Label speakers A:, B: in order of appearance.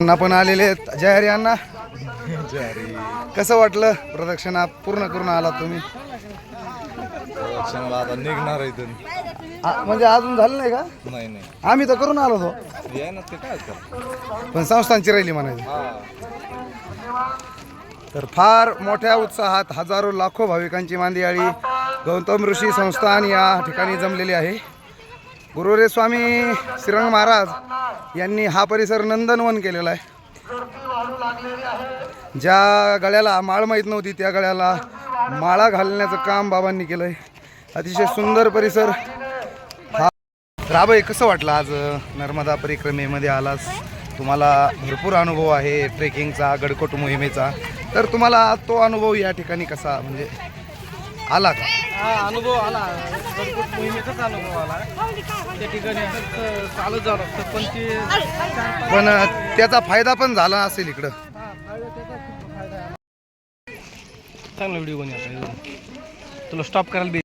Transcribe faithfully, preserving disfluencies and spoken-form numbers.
A: अण्णा पण आलेले आहेत. जय हरी अण्णा. कसं वाटलं प्रदक्षिणा पूर्ण करून आला तुम्ही?
B: प्रदक्षिणाला आता निघणार इथून.
A: आ- म्हणजे अजून झालं नाही का?
B: नाही नाही
A: आम्ही तर करून आलो होतो,
B: ये ना ते काय कर.
A: पण संस्थांची राहिली म्हणायची.
B: हा
A: तर फार मोठ्या उत्साहात हजारो लाखो भाविकांची मांदियाळी गौतम ऋषी संस्थान या ठिकाणी जमलेली आहे. गुरुरे स्वामी श्रीरंग महाराज यांनी हा परिसर नंदनवन केलेला आहे. ज्या गळ्याला माळ माहीत नव्हती त्या गळ्याला माळा घालण्याचं काम बाबांनी केलं आहे. अतिशय सुंदर परिसर हा. राबई, कसं वाटलं आज नर्मदा परिक्रमेमध्ये आलास? तुम्हाला भरपूर अनुभव आहे ट्रेकिंगचा, गडकोट मोहिमेचा, तर तुम्हाला तो अनुभव या ठिकाणी कसा म्हणजे आला का?
C: हा अनुभव आला, गडकोट मोहिमेचाच अनुभव आला. त्या ठिकाणी असं चालत जावं लागतं, पण ते
A: पण त्याचा फायदा पण झाला असेल इकडं.
C: चांगला व्हिडिओ कोणी आता तुला स्टॉप करायला